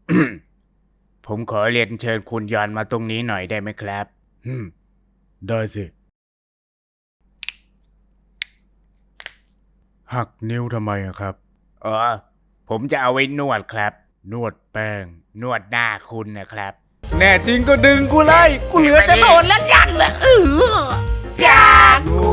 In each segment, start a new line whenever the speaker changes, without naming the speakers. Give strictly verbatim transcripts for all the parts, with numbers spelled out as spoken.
ผมขอเรียนเชิญคุณยอนมาตรงนี้หน่อยได้ไหมครับอืมได้สิหักนิ้วทำไมอะครับอ๋อผมจะเอาไว้นวดครับนวดแป้งนวดหน้าคุณนะครับแน่จริงก็ดึงกูเลยกูเหลือจะโดนแล้วยันเลยเออจากงู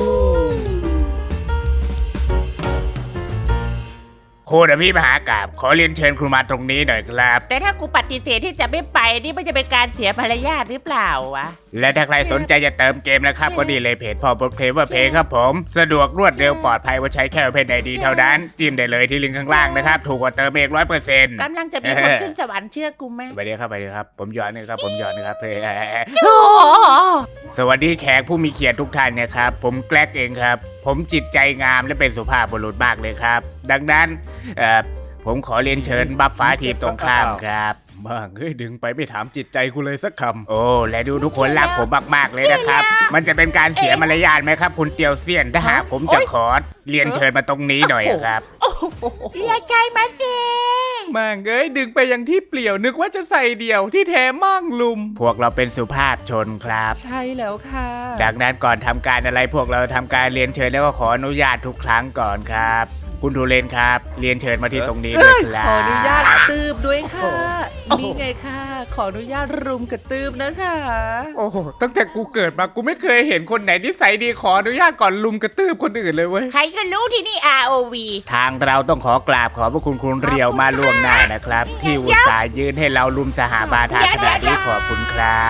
โคดพี่มหากาพย์ขอเรียนเชิญคุณมาตรงนี้หน่อยครับ
แต่ถ้ากูปฏิเสธที่จะไม่ไปนี่มันจะเป็นการเสียมารยาทหรือเปล่าวะ
และถ้าใครสนใจจะเติมเกมนะครับก็ดีเลยเพจพอบทเพลเวอร์เพย์ครับผมสะดวกรวดเร็วปลอดภัยว่าใช้แค่เพจไอดีเท่านั้นจิ้มได้เลยที่ลิงก์ข้างล่างนะครับถูกกว่าเติมเองร้อยเปอร์เซ็นต์
กำลังจะมีคนขึ้นสวรรค์เชื่อกูไหม
ไปเลยครับไปเลยครับผมยอนนะครับผมยอนนะครับเฮ้ย
โอ้
สวัสดีแขกผู้มีเกียรติทุกท่านนะครับผมแกล็กเองครับผมจิตใจงามและเป็นสุภาพบุรุษมากเลยครับดังนั้นเอ่อผมขอเรียนเชิญบัฟฟ้าทีมตรงข้ามครับมากเฮ้ยดึงไปไม่ถามจิตใจกูเลยสักคำโอ้และดูทุกคนรักผมมากๆเลยนะครับมันจะเป็นการเสียมารยาทไหมครับคุณเตียวเซียนถ้าหากผมจะขอเรียนเชิญมาตรงนี้หน่อยครับ
อย่าใจมาสิ
มั่งเอ้ยดึงไปยังที่เปลี่ยวนึกว่าจะใส่เดี่ยวที่แท้มั่งลุม
พวกเราเป็นสุภาพชนครับ
ใช่แล้วค่ะ
ดังนั้นก่อนทำการอะไรพวกเราทำการเรียนเชิญแล้วก็ขออนุญาตทุกครั้งก่อนครับ คุณทูเรนครับเรียนเชิญมาที่ตรงนี้ด้วยครับ
ขออนุญาตตืบด้วยค่ะนี่ไงค่ะ ขออนุญาตรุมกระตืบนะคะ โอ้โหตั้งแต่กูเกิดมากูไม่เคยเห็นคนไหนที่ใส่ดีขออนุญาตก่อนลุมกระตืบคนอื่นเลยเว้ย
ใครก็รู้ที่นี่ อาร์ โอ วี
ทางเราต้องขอกราบขอบพระคุณคุณเรียวมาล่วงหน้านะครับ ที่อุตส่าห์ยืนให้เราลุมสหาบาทาขนาดนี้ขอบคุณครับ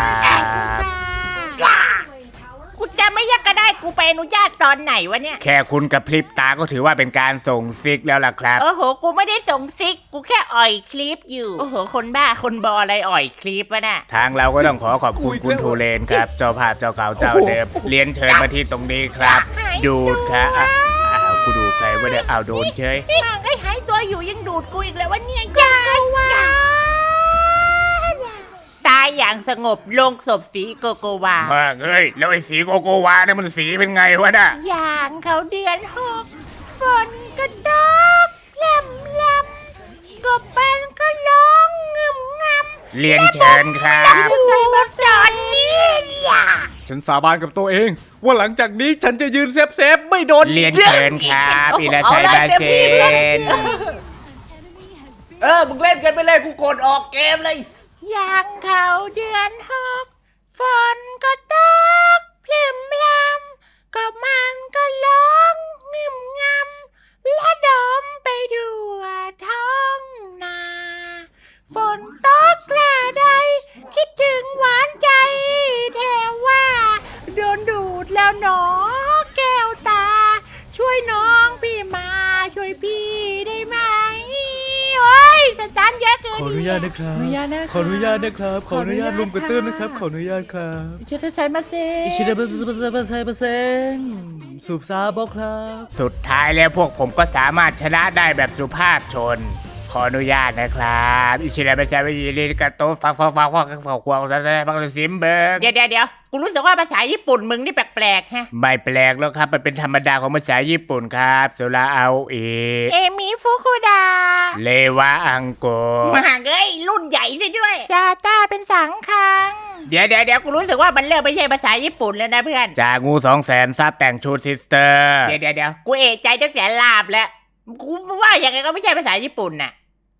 กูจะไม่ยักก็ได้กูไปอนุญาตตอนไหนวะเนี่ย
แค่คุณกับพริบตาก็ถือว่าเป็นการส่งซิกแล้วล่ะครับ
โอ้โห กูไม่ได้ส่งซิก กูแค่อ่อยคลิปอยู่ โอ้โห คนบ้า คนบออะไรอ่อยคลิปวะน่ะ
ทางเราก็ต้องขอขอบคุณคุณทูเรนครับ เจ้าภาพเจ้าเก่าเจ้าเดิมเรียนเชิญมาที่ตรงนี้ครับ ดูดครับอ่ะอ้าวกูดูดใครวะเนี่ยอ้าวโดนเฉย
มังไอ้หายตัวอยู่ยังดูดกูอีกแล้ววะเนี่ยอย่าว่าตายอย่างสงบลงศพสีโกโกวา
มากเฮ้ยแล้วไอ้สีโกโกวาเนี่ยมันสีเป็นไงวะน่ะ
อย่างเขาเดือนหกฝนก็ตกแลมแลมกบมันก็ร้องงึมงำ
เรียนเชิญครับ
ใส่มาสอนนี่ล่ะ
ฉันสาบานกับตัวเอง ว่าหลังจากนี้ฉันจะยืนเซฟเซฟๆไม่โดน
เรียนเชิญครับอิราชัยบาเซน
เออมึงเล่นกันไปเลยกูกดออกเกมเลย
อย่างเขาเดือนหกฝนก็ตกพลิมลำก็มันก็ร้องงึมงำและดมไปทั่วท้องนาฝนตกกล้าใดคิดถึงหวานใจแทว่าโดนดูดแล้วหนอแก้วตา ช่วยน้องพี่มาช่วยพี่ได้ไหมโอ้ยสตาร์ทเยอะเกิน
ขออนุญาตนะครับ
ขออนุญาตนะคะ
ขออนุญาตนะครับ ขออนุญาต
ขออนุญาต
ลุมกระตื้ม
ค่ะ
นะครับ ขออนุญาตครับ
อิชิตะไซมาเซ
อิชิดะเปอร์เซ็นต์เปอร์เซ็นต์เปอร์เซ็นต์เปอร์เซ็นต์สูบซาบอกครับ
สุดท้ายแล้วพวกผมก็สามารถชนะได้แบบสุภาพชน ขออนุญาตนะครับอิชิระเบจาวิริกาโตฟังฟังฟังฟังฟังฟังควงซะบังเลยซิมเบิร์ก
เดี๋ยวเดี๋ยวเดี๋ยวกูรู้สึกว่าภาษาญี่ปุ่นมึงนี่แปลกๆฮะ
ไม่แปลกแล้วครับมันเป็นธรรมดาของภาษาญี่ปุ่นครับสุราเอาเอ
เอมิฟุคุดา
เลวะอังโก
มหาเอ้ยรุ่นใหญ่ซะด้วยซาต้าเป็นสังคัง เดี๋ยวเดี๋ยวเดี๋ยวกูรู้สึกว่ามันเริ่มไม่ใช่ภาษาญี่ปุ่นแล้วนะเพื่อน
จากงูสองแสนซับแต่งชุดซิสเตอร์
เดี๋ยวเดี๋ยวเดี๋ยวกูเอะใจตั้งแต่ลาบแล้ว กูว่าอย่างไงก็ไม่ใช่ภาษาญี่ปุ่นน่ะ